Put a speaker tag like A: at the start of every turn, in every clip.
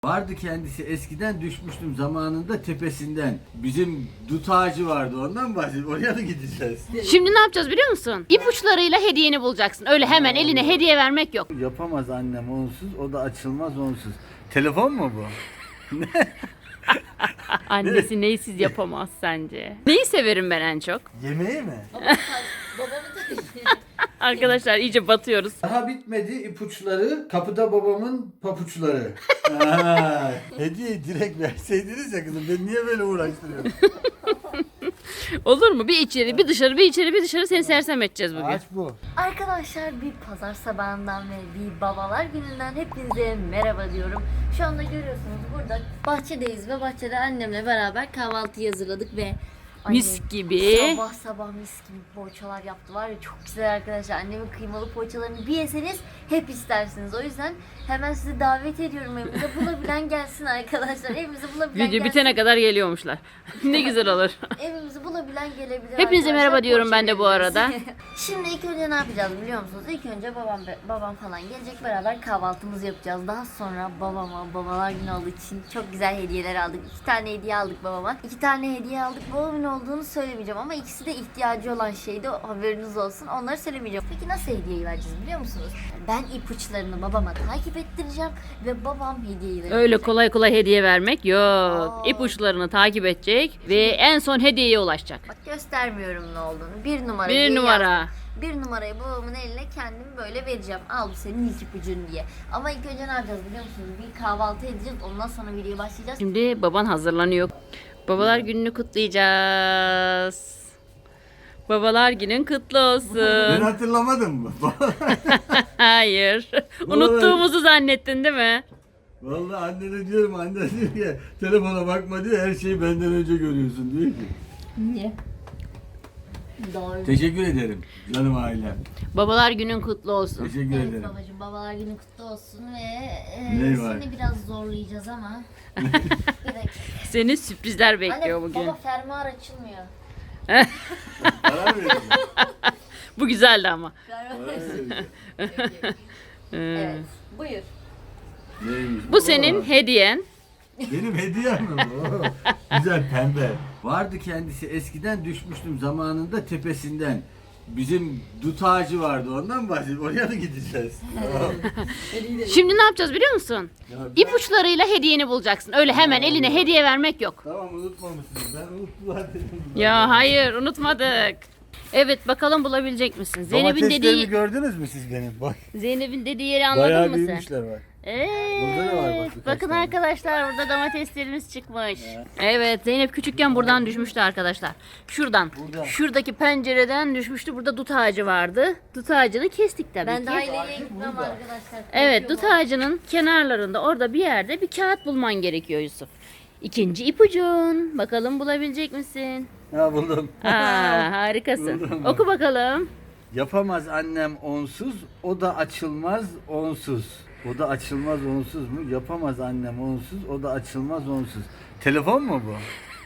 A: Vardı kendisi, eskiden düşmüştüm zamanında tepesinden. Bizim dut ağacı vardı, ondan bahsediyorum. Oraya da gideceğiz.
B: Şimdi ne yapacağız biliyor musun? İpuçlarıyla hediyeni bulacaksın. Öyle hemen eline hediye vermek yok.
A: Yapamaz annem onsuz, o da açılmaz onsuz. Telefon mu bu?
B: Annesi neysiz yapamaz sence? Neyi severim ben en çok?
A: Yemeği mi?
B: Arkadaşlar iyice batıyoruz.
A: Daha bitmedi ipuçları, kapıda babamın papuçları. Hediyeyi direkt verseydiniz ya kızım, ben niye böyle uğraştırıyorum?
B: Olur mu? Bir içeri, bir dışarı, bir içeri, bir dışarı seni sersem edeceğiz bugün.
A: Aç bu.
C: Arkadaşlar bir pazar sabahından ve bir babalar gününden hepinize merhaba diyorum. Şu anda görüyorsunuz burada bahçedeyiz ve bahçede annemle beraber kahvaltı hazırladık ve
B: Mis
C: annem
B: gibi.
C: sabah sabah mis gibi poğaçalar yaptı var ya, çok güzel arkadaşlar. Annemin kıymalı poğaçalarını bir yeseniz hep istersiniz. O yüzden hemen sizi davet ediyorum evimize. Bulabilen gelsin arkadaşlar. Evimizi bulabilen
B: Video
C: gelsin.
B: bitene kadar geliyormuşlar. Ne güzel olur.
C: Evimizi bulabilen gelebilir.
B: Hepinize
C: arkadaşlar.
B: merhaba diyorum
C: Poğaça
B: ben de bu
C: veririz.
B: arada.
C: Şimdi ilk önce ne yapacağız biliyor musunuz? İlk önce babam falan gelecek, beraber kahvaltımızı yapacağız. Daha sonra babama babalar günü olduğu için çok güzel hediyeler aldık. 2 tane hediye aldık babama. 2 tane hediye aldık. Babamın olduğunu söylemeyeceğim ama ikisi de ihtiyacı olan şeydi. Haberiniz olsun. Onları söylemeyeceğim. Peki nasıl hediyeyi vereceğiz biliyor musunuz? Ben ipuçlarını babama takip ettireceğim ve babam hediyeyi verecek.
B: Öyle kolay kolay hediye vermek yok.
C: Aa.
B: İpuçlarını takip edecek ve en son hediyeye ulaşacak.
C: Bak göstermiyorum ne olduğunu. Bir numara
B: Bir
C: diye
B: numara.
C: yazdım. Bir numarayı babamın eline kendim böyle vereceğim. Al bu senin ilk ipucun diye. Ama ilk önce ne yapacağız biliyor musunuz? Bir kahvaltı edeceğiz. Ondan sonra videoya başlayacağız.
B: Şimdi baban hazırlanıyor. Babalar gününü kutlayacağız. Babalar günün kutlu
A: Ben
B: olsun.
A: hatırlamadım mı?
B: Hayır. Unuttuğumuzu zannettin değil mi?
A: Vallahi annene diyorum, anne diyor ki telefona bakma diyor, her şeyi benden önce görüyorsun diyor ki.
C: Niye? Doğru.
A: Teşekkür ederim canım ailem.
B: Babalar günün kutlu olsun.
A: Teşekkür
C: Evet
A: ederim.
C: babacığım, babalar günü kutlu olsun ve
A: Ne var?
C: seni biraz zorlayacağız ama. Bir dakika.
B: Seni sürprizler bekliyor
C: Anne,
B: bugün.
C: baba fermuar açılmıyor.
A: Para mı veriyorsun?
B: Bu güzeldi ama.
C: Fermuar
A: Para
C: açılmıyor.
A: mı veriyorsun?
C: Evet. Buyur.
A: Neymiş?
B: Bu senin hediyen.
A: Benim hediyem mi bu? Güzel pembe. Vardı kendisi, eskiden düşmüştüm zamanında tepesinden. Bizim dut ağacı vardı, ondan bahsediyorum. Oraya da gideceğiz. Tamam.
B: Şimdi ne yapacağız biliyor musun?
A: Ya ben-
B: İpuçlarıyla hediyeni bulacaksın. Öyle hemen eline hediye vermek yok.
A: Tamam, unutmamışsınız. Ben unuttular dedim.
B: Ya hayır unutmadık. Evet bakalım bulabilecek misin? Zeynep'in
A: Domateslerimi
B: dediği
A: gördünüz mü siz benim? Bak.
B: Zeynep'in dediği yeri
A: Bayağı
B: anladın mı sen?
A: büyümüşler bak.
B: Evet.
A: Burada da var bak birkaç
B: Bakın
A: tane.
B: arkadaşlar burada domateslerimiz çıkmış. Evet Zeynep küçükken buradan düşmüştü arkadaşlar. Şuradan.
A: Buradan.
B: Şuradaki pencereden düşmüştü. Burada dut ağacı vardı. Dut ağacını kestik tabii
C: Ben
B: ki.
C: daha ileriye gitmem arkadaşlar.
B: Evet dut
C: Korkuyorum.
B: ağacının kenarlarında orada bir yerde bir kağıt bulman gerekiyor Yusuf. İkinci ipucun. Bakalım bulabilecek misin?
A: Ha, buldum.
B: Aa, harikasın.
A: Buldum.
B: Oku bakalım.
A: Yapamaz annem onsuz, o da açılmaz onsuz. O da açılmaz onsuz mu? Yapamaz annem onsuz, o da açılmaz onsuz. Telefon mu bu?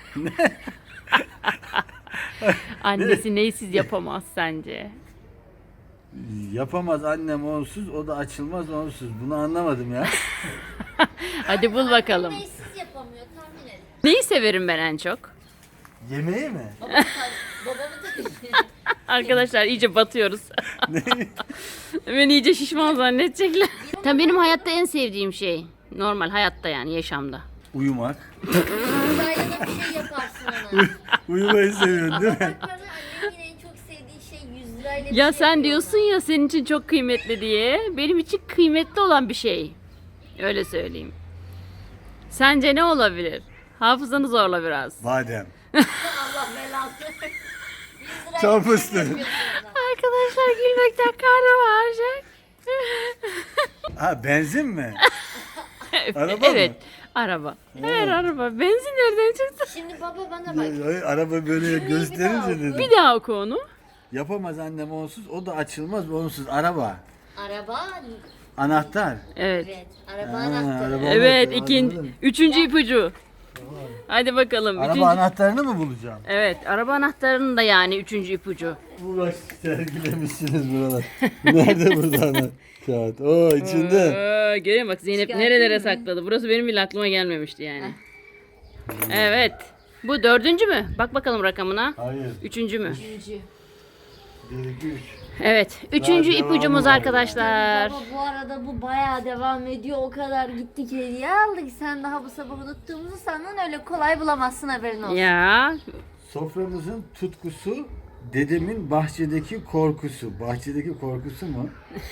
B: Annesi neysiz yapamaz sence?
A: Yapamaz annem onsuz, o da açılmaz onsuz. Bunu anlamadım ya.
B: Hadi bul bakalım.
C: Neysiz yapamıyor, tahmin edin.
B: Neyi severim ben en çok?
A: Yemeği mi?
C: Babamı tabii.
B: Arkadaşlar iyice batıyoruz. Beni iyice şişman zannedecekler. Tabii benim hayatta en sevdiğim şey. Normal hayatta yani yaşamda.
A: Uyumak.
C: Uzayda da bir şey yaparsın ona.
A: Uyumayı seviyorsun değil mi?
C: Bak bana, annemin en çok sevdiği şey 100 lirayla bir
B: Ya
C: şey
B: sen
C: yapıyor
B: diyorsun ya senin için çok kıymetli diye. Benim için kıymetli olan bir şey. Öyle söyleyeyim. Sence ne olabilir? Hafızanı zorla biraz.
A: Badem.
C: ona. Allah belasını. 100 lirayla
A: Çam
C: bir şey
A: fıstığı.
C: yapıyorsun ona.
B: Arkadaşlar gülmekten karnım ağrıyacak.
A: Ha, benzin mi? Araba
B: Evet.
A: mı?
B: Araba. Her araba. Benzin nereden çıktı?
C: Şimdi baba bana bak.
A: Ay, araba böyle
C: daha
A: gösterince
C: oku.
A: dedim.
B: Bir daha oku onu.
A: Yapamaz annem onsuz, o da açılmaz onsuz. Araba.
C: Araba.
B: Evet.
A: Anahtar.
C: Evet. Araba
A: Ha,
C: anahtarı.
A: araba.
B: Evet,
A: Anladım.
B: üçüncü ipucu. Hadi bakalım.
A: Araba
B: Üçüncü...
A: anahtarını mı bulacağım?
B: Evet, araba anahtarının da yani üçüncü ipucu.
A: Uğraş sergilemişsiniz buralar. Nerede burada anahtar? Kağıt. Oo içinde.
B: Görüyor musun bak Zeynep
C: Çıkartayım
B: nerelere
C: mı?
B: sakladı. Burası benim bile aklıma gelmemişti yani. Evet. Bu 4. mü? Bak bakalım rakamına.
A: Hayır.
B: 3. mü?
A: 1, 2, 3.
B: Evet. 3.
A: Daha
B: ipucumuz
A: devamı var
B: arkadaşlar.
C: Baba bu arada bu bayağı devam ediyor. O kadar gittik hediye aldık. Sen daha bu sabah unuttuğumuzu sandın. Öyle kolay bulamazsın, haberin olsun.
B: Ya.
A: Soframızın tutkusu, dedemin bahçedeki korkusu. Bahçedeki korkusu mu?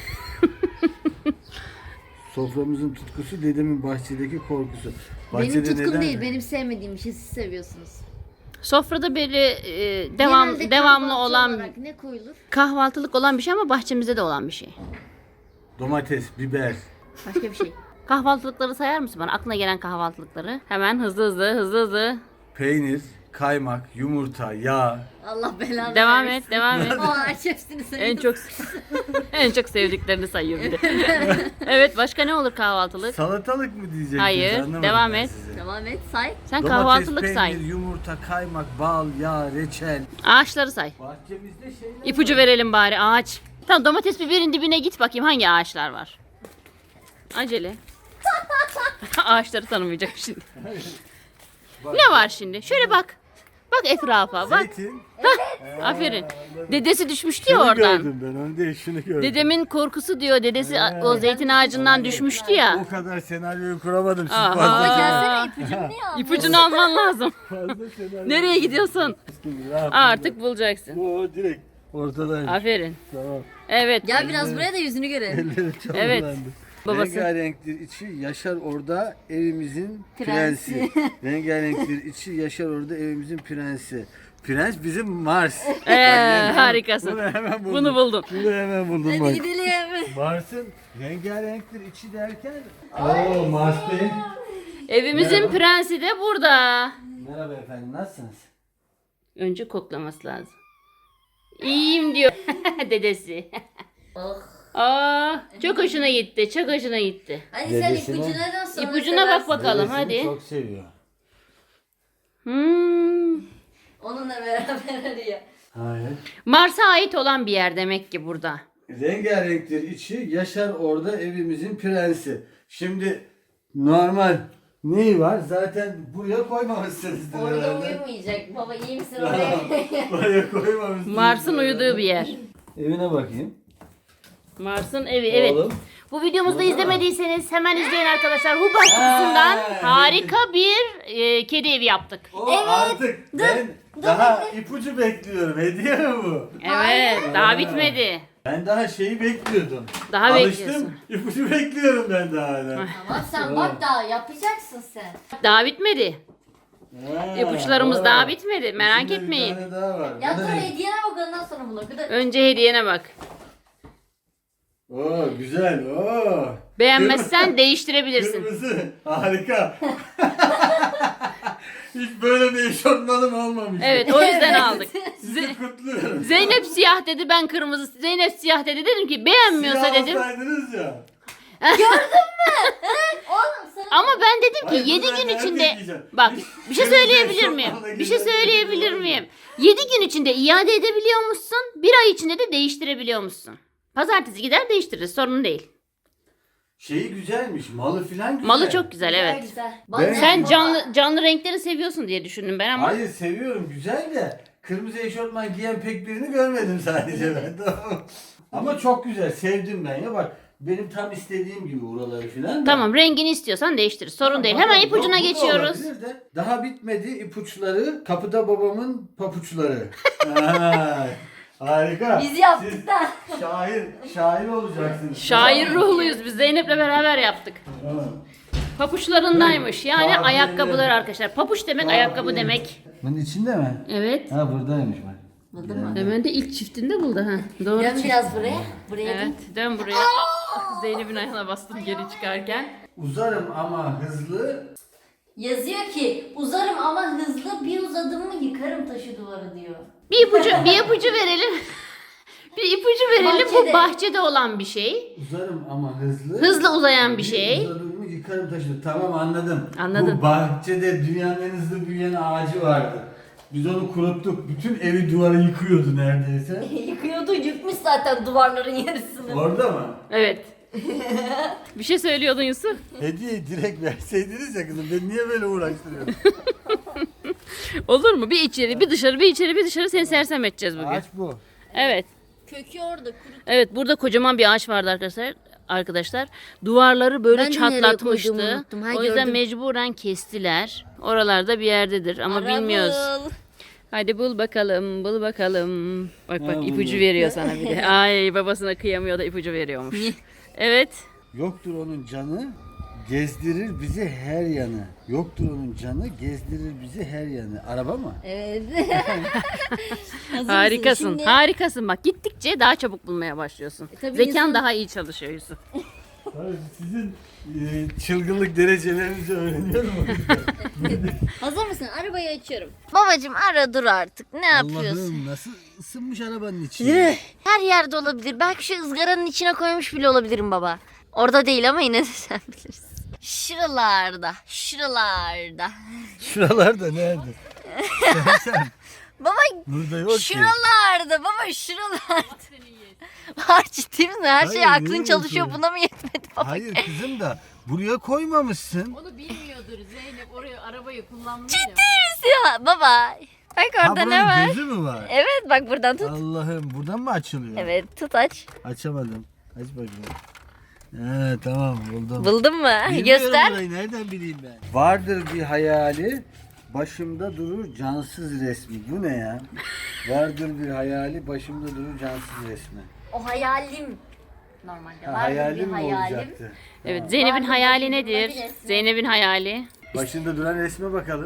A: Soframızın tutkusu, dedemin bahçedeki korkusu.
C: Benim tutkum
A: neden-
C: değil, benim sevmediğim bir şey, siz seviyorsunuz.
B: Sofrada böyle
C: Genelde
B: devamlı
C: kahvaltı
B: olan
C: olarak ne koyulur?
B: kahvaltılık olan bir şey ama bahçemizde de olan bir şey.
A: Domates, biber.
C: Başka bir şey.
B: Kahvaltılıkları sayar mısın bana? Aklına gelen kahvaltılıkları. Hemen hızlı.
A: Peynir, kaymak, yumurta, yağ.
C: Allah belanı
B: Devam
C: versin.
B: et, devam et.
C: O ağaç hepsini
B: En çok en çok sevdiklerini sayıyor bir de. Evet, başka ne olur kahvaltılık?
A: Salatalık mı diyeceksin?
B: Hayır,
A: Anlamadım
B: devam
A: ben
B: et.
A: sizi.
C: Devam et, say.
B: Sen
A: Domates,
B: kahvaltılık
A: peynir,
B: say.
A: yumurta, kaymak, bal, yağ, reçel.
B: Ağaçları say.
A: Bahçemizde şeyler
B: İpucu verelim bari ağaç. Tamam, domates biberin dibine git bakayım hangi ağaçlar var. Acele. Ağaçları tanımayacak şimdi. Ne var şimdi? Şöyle bak. Bak etrafa bak.
A: Zeytin.
B: Aferin. Dedesi düşmüştü ya
A: Şunu
B: oradan.
A: gördüm ben, onu değil şunu gördüm.
B: Dedemin korkusu diyor. Dedesi o zeytin ağacından düşmüştü ya.
A: O kadar senaryoyu kuramadım. Siz
B: Aha.
A: fazla,
C: Ama
A: senaryo,
C: gelsene, ipucunu niye almıyorsun?
B: İpucunu alman lazım.
A: fazla senaryo.
B: Nereye gidiyorsun?
A: Ne yapayım
B: Artık bulacaksın.
A: ben? O direkt ortadaymış.
B: Aferin.
A: Tamam.
B: Evet.
C: Gel biraz buraya da yüzünü görelim.
A: Elleri çok
B: Evet.
A: kullandı.
B: Babası.
A: Rengarenktir içi, yaşar orada evimizin prensi. Rengarenktir içi, yaşar orada evimizin prensi. Prens bizim Mars.
B: Harikasın.
A: Bunu hemen buldum.
B: Bunu buldun.
A: Bunu hemen buldum
C: Hadi
A: bak.
C: gidelim.
A: Mars'ın rengarenktir içi derken. Oo Mars Bey.
B: Evimizin
A: Merhaba.
B: prensi de burada.
A: Merhaba efendim, nasılsınız?
B: Önce koklaması lazım. İyiyim diyor dedesi.
C: Oh.
B: Aa, çok hoşuna gitti. Çok hoşuna gitti.
C: Hadi sen
A: Dedesine-
C: ipucuna da sonra
B: İpucuna bak bakalım
A: Dedesini
B: hadi.
A: çok seviyor.
B: Hmm.
C: Onunla beraber arıyor.
A: Hayır.
B: Mars'a ait olan bir yer demek ki burada.
A: Rengarenktir içi, yaşar orada evimizin prensi. Şimdi normal neyi var? Zaten buraya koymamışsınızdır
C: Orada
A: herhalde.
C: uyumayacak. Baba iyi misin oraya?
A: Buraya koymamışsınız.
B: Mars'ın uyuduğu bir yer.
A: Evine bakayım.
B: Mars'ın evi evet.
A: Oğlum.
B: Bu videomuzu
A: Burada mı?
B: izlemediyseniz hemen izleyin arkadaşlar. Hubaş kutusundan harika bir kedi evi yaptık.
A: O artık ben daha ipucu bekliyorum. Hediye mi bu?
B: Evet, daha bitmedi.
A: Ben daha şeyi bekliyordum.
B: Daha
A: Alıştım.
B: bekliyorsun.
A: İpucu bekliyorum ben daha hala.
C: Ama sen bak daha yapacaksın sen.
B: Daha bitmedi.
A: Ha,
B: İpuçlarımız
A: o.
B: daha bitmedi. Merak
A: İçinde
B: etmeyin.
A: Bir tane daha var.
C: Ya
A: Bu
C: dur
A: ne?
C: hediyene bak, ondan sonra bunu. Bir de
B: Önce hediyene bak.
A: Oo güzel. Oo.
B: Beğenmezsen değiştirebilirsin.
A: Kırmızı. Harika. Hiç böyle bir eşofmanım olmamış.
B: Evet, o yüzden aldık.
A: Sizi kutluyorum.
B: Zeynep siyah dedi, ben kırmızı. Zeynep siyah dedi. Dedim ki beğenmiyorsa
A: Siyah
B: dedim.
A: olsaydınız ya.
C: oğlum sana
B: Ama ben dedim ki
A: Hayır,
B: 7
A: bunu ben
B: gün
A: nerede
B: içinde
A: giyeceğim?
B: bak
A: Hiç
B: bir şey
A: kırmızı
B: söyleyebilir miyim?
A: eşofmanla
B: Bir şey
A: güzel
B: söyleyebilir
A: bir
B: miyim? 7 gün içinde iade edebiliyormuşsun. Bir ay içinde de değiştirebiliyormuşsun. Pazartesi gider değiştiririz, sorun değil.
A: Şeyi güzelmiş. Malı filan güzel.
B: Malı çok güzel evet.
C: güzel.
A: Ben-
B: Sen canlı renkleri seviyorsun diye düşündüm ben ama.
A: Hayır seviyorum güzel de kırmızı eşofman giyen pek birini görmedim sadece ben. Tamam. Ama çok güzel sevdim ben ya bak. Benim tam istediğim gibi buraları filan. da.
B: Tamam, rengini istiyorsan değiştiririz, sorun değil.
A: Bakalım,
B: Hemen ipucuna
A: bu da
B: geçiyoruz.
A: olabilir de. Daha bitmedi ipuçları. Kapıda babamın papuçları. Ha, harika.
C: Biz yaptık
A: Siz
C: da.
A: şair olacaksınız.
B: Şair ruhluyuz biz, Zeynep'le beraber yaptık.
A: Tamam.
B: Papuçlarındaymış yani
A: Kahve.
B: ayakkabılar arkadaşlar. Papuç demek ayakkabı demek.
A: Bunun içinde mi?
B: Evet.
A: Ha buradaymış bak.
C: Buldun mu?
B: Hemen de ilk çiftinde buldu ha. Doğru.
C: Dön
B: çift.
C: biraz buraya. Buraya
B: Evet,
C: dön.
B: dön buraya. Zeynep'in ayağına bastım geri çıkarken.
A: Uzarım ama hızlı.
C: Yazıyor ki uzarım ama hızlı, bir uzadım mı yıkarım taşı duvarı diyor.
B: Bir ipucu verelim. Bir ipucu verelim. Bu
C: Bahçede.
B: bahçede olan bir şey.
A: Uzarım ama hızlı.
B: Hızlı uzayan bir şey.
A: Uzadım mı yıkarım taşını. Tamam anladım.
B: Anladın.
A: Bu bahçede dünyanın en hızlı büyüyen ağacı vardı. Biz onu kuruttuk. Bütün evi duvarı yıkıyordu neredeyse.
C: Yıkıyordu, yıkmış zaten duvarların yarısını.
A: Orada mı?
B: Evet. Bir şey söylüyordun Yusuf.
A: Hediyeyi direkt verseydiniz ya kızım. Ben niye böyle uğraştırıyorum?
B: Olur mu? Bir içeri, bir dışarı, bir içeri, bir dışarı seni sersem edeceğiz bugün.
A: Ağaç bu.
B: Evet.
C: Kökü orada kuru.
B: Evet, burada kocaman bir ağaç vardı arkadaşlar. Duvarları böyle
C: Ben de nereye koyduğumu
B: çatlatmıştı.
C: unuttum. Ha,
B: O yüzden
C: gördüm.
B: mecburen kestiler. Oralarda bir yerdedir ama bilmiyoruz. Hadi bul bakalım, bul bakalım. Bak
A: Ha,
B: bak ipucu
A: buldum.
B: veriyor sana bir de. Ay babasına kıyamıyor da ipucu veriyormuş. Evet.
A: Yoktur onun canı, gezdirir bizi her yanı. Yoktur onun canı, gezdirir bizi her yanı. Araba mı?
C: Evet. Hazır
B: Harikasın.
C: mısın? Şimdi
B: Harikasın. Bak gittikçe daha çabuk bulmaya başlıyorsun.
C: tabii
B: Zekan
C: insan-
B: daha iyi çalışıyor Yusuf.
A: Sizin çılgınlık derecelerinizi öğreniyorum.
C: hazır mısın? Arabayı açıyorum. Babacım ara dur artık. Ne yapıyorsun?
A: Allah'ım nasıl ısınmış arabanın içi.
C: Her yerde olabilir. Belki şu ızgaranın içine koymuş bile olabilirim baba. Orada değil ama yine de sen bilirsin. Şuralarda. Şuralarda.
A: Şuralarda nerede? sen
C: Baba
A: burada yok ki.
C: şuralarda. Baba şuralarda. Var ciddi misin? Her şey
A: Hayır,
C: aklın
A: niye
C: çalışıyor.
A: yapıyorsun?
C: Buna mı yetmedi baba?
A: Hayır kızım da buraya koymamışsın.
B: Onu bilmiyordur Zeynep oraya arabayı kullanmıyor.
C: Ya baba. Bak
A: Ha
C: orada ne
A: buranın
C: var?
A: gözü mü var?
C: Evet bak buradan tut.
A: Allah'ım buradan mı açılıyor?
C: Evet tut aç.
A: Açamadım. Aç bakayım. He tamam buldum.
C: Buldun mu?
A: Bilmiyorum
C: Göster.
A: burayı, nereden bileyim ben? Vardır bir hayali, başımda durur cansız resmi. Bu ne ya? Vardır bir hayali, başımda durur cansız resmi.
C: O hayalim. Normalde
A: Ha,
C: var
A: hayalim
C: bir
A: mi
C: hayalim.
A: olacaktı?
B: Evet Zeynep'in
C: Vardı,
B: hayali
C: başında
B: nedir?
C: bir resmi.
B: Zeynep'in hayali.
A: Başında duran resme bakalım.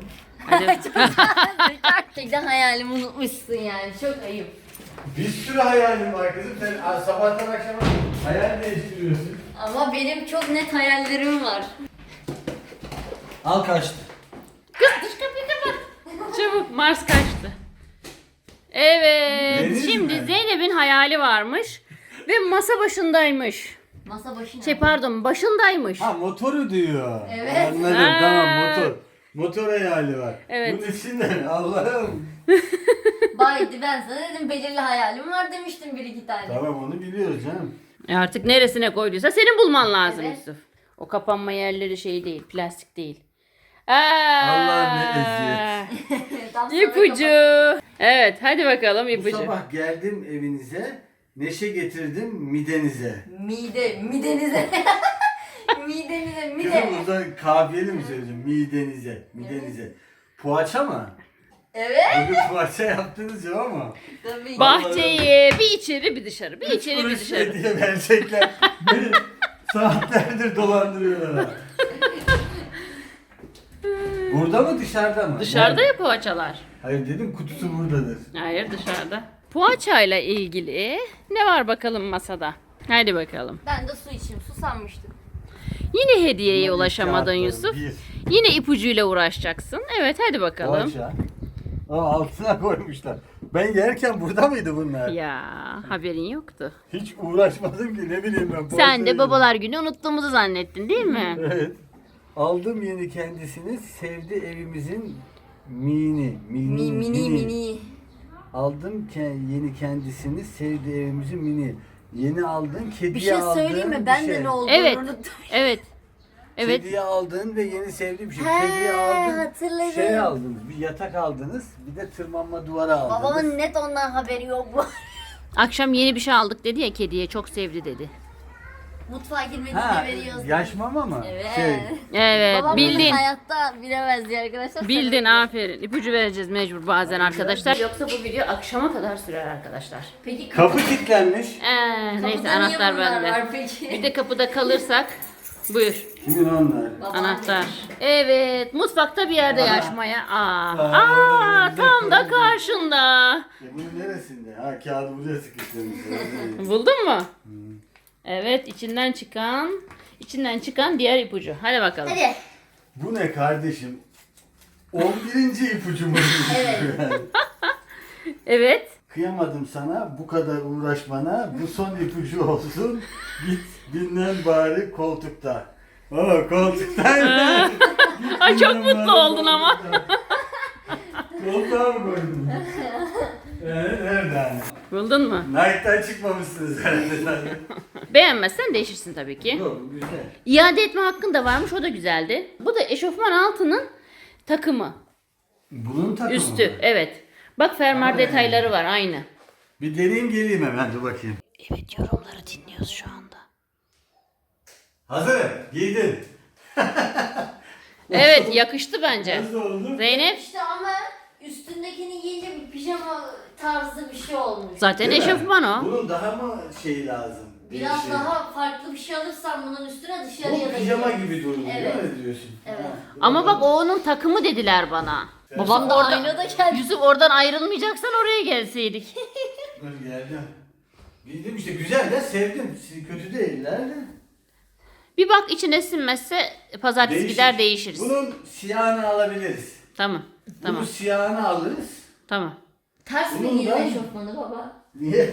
C: Gerçekten hayalimi unutmuşsun yani. Çok ayıp.
A: Bir sürü hayalim var kızım. Sen sabahtan akşama hayal değiştiriyorsun.
C: Ama benim çok net hayallerim var.
A: Al kaçtı.
B: Dış kapıyı kapat. Çabuk Mars kaçtı. Evet.
A: Deniz
B: Şimdi
A: mi?
B: Zeynep'in hayali varmış. Ve masa başındaymış.
C: Masa başına.
B: Şey pardon başındaymış.
A: Ha motoru diyor.
C: Evet.
A: Anladım
B: Ha.
A: tamam motor. Motor hayali var.
B: Evet.
A: Bunun içinden Allah'ım.
C: Baydi ben sana dedim belirli hayalim var demiştim bir iki tane.
A: Tamam onu biliyoruz canım.
B: Artık neresine koyduysa senin bulman lazım
C: Evet.
B: Yusuf. O kapanma yerleri şey değil, plastik değil.
A: Allah'ım ne eziyet.
C: Tam sonra
B: İpucu. Evet, hadi bakalım
A: Bu
B: ipucu.
A: sabah geldim evinize, neşe getirdim midenize.
C: Midenize. Midenize,
A: Kızım
C: mide.
A: burada kafiyeli mi söyleyeceğim? Midenize. Poğaça mı?
C: Evet.
A: Bugün poğaça yaptınız ya ama.
C: Tabii.
B: Bahçeyi bir içeri bir dışarı, bir
A: 3
B: içeri bir
A: kuruş
B: dışarı.
A: hediye verecekler. Beni saatlerdir dolandırıyorlar ha. Burada mı dışarıda mı?
B: Dışarıda
A: Nerede?
B: ya poğaçalar.
A: Hayır dedim kutusu buradadır.
B: Hayır dışarıda. Poğaçayla ilgili ne var bakalım masada? Hadi bakalım.
C: Ben de su içeyim. Susanmıştım.
B: Yine hediyeye
A: Bunlar
B: ulaşamadın
A: kağıtları.
B: Yusuf.
A: Bir.
B: Yine ipucuyla uğraşacaksın. Evet hadi bakalım.
A: Poğaça. Aa, altına koymuşlar. Ben yerken burada mıydı bunlar?
B: Ya haberin yoktu.
A: Hiç uğraşmadım ki ne bileyim ben.
B: Sen
A: poğaça
B: de babalar günü unuttuğumuzu zannettin değil mi?
A: Evet. Aldım yeni kendisini, sevdi evimizin mini.
C: Mini.
A: Aldım yeni kendisini, sevdi evimizin mini. Yeni aldın, kediye
C: Bir şey
A: aldın.
C: söyleyeyim mi?
A: bir
C: Ben
A: şey.
C: de ne olduğunu
B: Evet.
C: unuttum.
B: Evet. Evet.
A: Kediye aldın ve yeni sevdiği bir şey.
C: He,
A: Kediye aldın,
C: hatırladım.
A: şey aldınız, bir yatak aldınız, bir de tırmanma duvarı aldınız.
C: Babamın net ondan haberi yok bu.
B: Akşam yeni bir şey aldık dedi ya kediye çok sevdi dedi.
C: Mutfağa girmediğinde
A: Ha,
C: veriyoruz.
A: yaş mama mı?
C: Evet.
B: Evet
C: Babam
B: bildin.
C: bunu hayatta bilemezdi arkadaşlar.
B: Bildin aferin. İpucu vereceğiz mecbur bazen arkadaşlar. Yoksa bu video akşama kadar sürer arkadaşlar.
C: Peki
A: Kapı kilitlenmiş.
B: Neyse
C: kapıda niye
B: anahtar
C: bunlar
B: bende.
C: var peki?
B: Bir de kapıda kalırsak buyur.
A: Kimin onlar?
B: Anahtar. Evet mutfakta bir yerde yaşmaya.
A: Aa,
B: Tam da karşında.
A: Bunun neresinde? Ha kağıdı buraya sıkıştırmış.
B: Buldun mu? Evet içinden çıkan diğer ipucu. Hadi bakalım.
C: Hadi.
A: Bu ne kardeşim? 11. ipucumuz.
C: Evet.
B: Evet.
A: Kıyamadım sana bu kadar uğraşmana. Bu son ipucu olsun. Git dinlen bari koltukta. Oo koltuktayım.
B: Ay çok mutlu oldun ama.
A: Koltuğa mı koydun? Nereden?
B: Buldun mu?
A: Nike'dan çıkmamışsınız herhalde.
B: Beğenmezsen değişirsin tabii ki.
A: Yok, güzel.
B: İade etme hakkın da varmış, o da güzeldi. Bu da eşofman altının takımı.
A: Bunun takımı
B: Üstü,
A: mı?
B: evet. Bak fermuar
A: Ama
B: detayları var aynı.
A: Bir deneyeyim geleyim hemen, dur bakayım.
B: Evet, yorumları dinliyoruz şu anda.
A: Hazırım, giydim.
B: Evet, yakıştı bence.
A: Nasıl oldu?
B: Zeynep
C: İşte ama üstündekini giyince bir pijama tarzı bir şey olmuş.
B: zaten
A: Değil mi?
B: eşofman o.
A: Bunun daha mı şey lazım?
C: Biraz
A: Şey.
C: daha farklı bir şey alırsan bunun üstüne dışarıya
A: Bu
C: da
A: pijama
C: giyer.
A: gibi durmuyor,
C: Evet.
A: değil mi diyorsun?
C: Evet.
A: Ha,
B: Ama bak o onun takımı dediler bana. Babam da
C: Yusuf
B: orada.
C: aynada geldi.
B: Yusuf oradan ayrılmayacaksan oraya gelseydik.
A: Dur geldim. Giydim işte, güzel de sevdim. Kötü değiller de.
B: Bir bak içine sinmezse pazartesi
A: Değişir.
B: gider değişiriz.
A: Bunun siyahını alabiliriz.
B: Tamam.
A: Bunun
B: Tamam.
A: siyahını alırız.
B: Tamam.
C: Ters mi
A: Bunun
C: giydin
A: da-
C: eşofmanı baba?
A: Niye?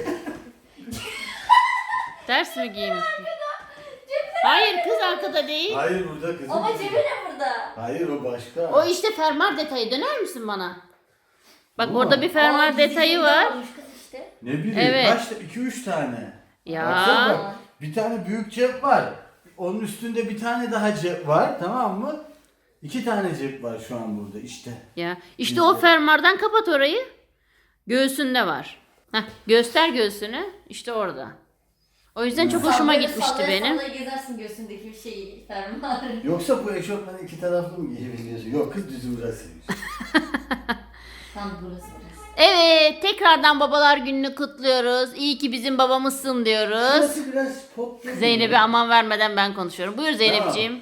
B: Ders mi giymiş? Hayır, kız arkada değil.
A: Hayır, burada kızım.
C: Ama cebi ne burada?
A: Hayır, o başka.
B: O işte fermuar detayı, döner misin bana? Bak
A: Bu
B: orada
A: mu?
B: bir fermuar
C: Aa,
B: detayı
C: gizli
B: var.
C: almış kız işte.
A: Ne bileyim,
B: Evet.
A: kaç 2-3 tane.
B: Ya.
A: Baksana bak, bir tane büyük cep var. Onun üstünde bir tane daha cep var, tamam mı? 2 tane cep var şu an burada işte.
B: Ya işte o fermuardan kapat orayı. Göğsünde var. Heh, göster göğsünü. İşte orada. O yüzden çok hoşuma
C: Sallaya
B: gitmişti
C: sallaya
B: benim.
C: sallaya gezersin göğsündeki bir şeyi fermuarı.
A: Yoksa bu eşofmanı 2 taraflı mı giyebiliyorsun? Yok kız, düzü burasıymış.
C: Tam burası.
B: Evet, tekrardan babalar gününü kutluyoruz. İyi ki bizim babamızsın diyoruz.
A: Burası biraz pop değil mi?
B: Zeynep'e aman vermeden ben konuşuyorum. Buyur Zeynep'ciğim.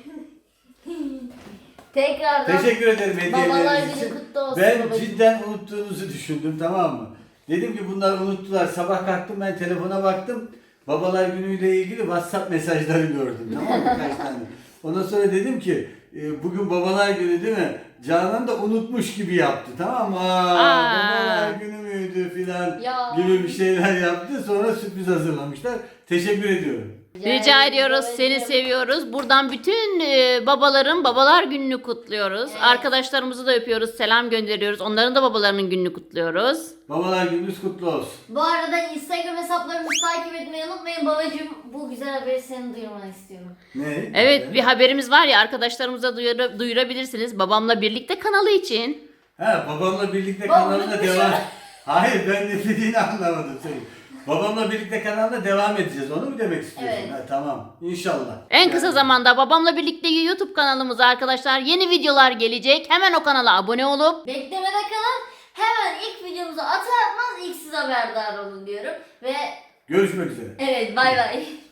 C: Tekrardan
A: Teşekkür ederim
C: Babalar
A: hediyeleriniz
C: günü
A: için.
C: kutlu olsun
A: Ben
C: babacığım.
A: cidden unuttuğunuzu düşündüm, tamam mı? Dedim ki bunlar unuttular. Sabah kalktım, ben telefona baktım. Babalar günüyle ilgili WhatsApp mesajları gördüm, tamam mı? Kaç tane. Ondan sonra dedim ki bugün babalar günü değil mi? Canan da unutmuş gibi yaptı, tamam mı? Babalar günü müydü filan
C: Ya.
A: gibi bir şeyler yaptı. Sonra sürpriz hazırlamışlar. Teşekkür ediyorum.
B: Rica ediyoruz, seni seviyoruz. Buradan bütün babaların babalar gününü kutluyoruz.
C: Evet.
B: Arkadaşlarımızı da öpüyoruz, selam gönderiyoruz. Onların da babalarının gününü kutluyoruz.
A: Babalar gününüz kutlu olsun.
C: Bu arada Instagram hesaplarımızı takip etmeyi unutmayın. Babacığım bu güzel haberi senin duyurmanı istiyorum.
A: Ne?
B: Evet, bir haberimiz var ya, arkadaşlarımıza duyurabilirsiniz. Babamla birlikte kanalı için.
A: Ha, babamla birlikte
C: Baba
A: kanalına
C: unutmuş
A: devam.
C: ya.
A: Hayır, ben ne dediğini anlamadım senin. Babamla birlikte kanalına devam edeceğiz. Onu mu demek istiyorsun?
C: Evet.
A: Ha, tamam. İnşallah.
B: En kısa zamanda babamla birlikte YouTube kanalımıza arkadaşlar yeni videolar gelecek. Hemen o kanala abone olup
C: Beklemede kalın. Hemen ilk videomuzu atar atmaz ilk siz haberdar olun diyorum. Ve
A: Görüşmek üzere.
C: evet bay bay.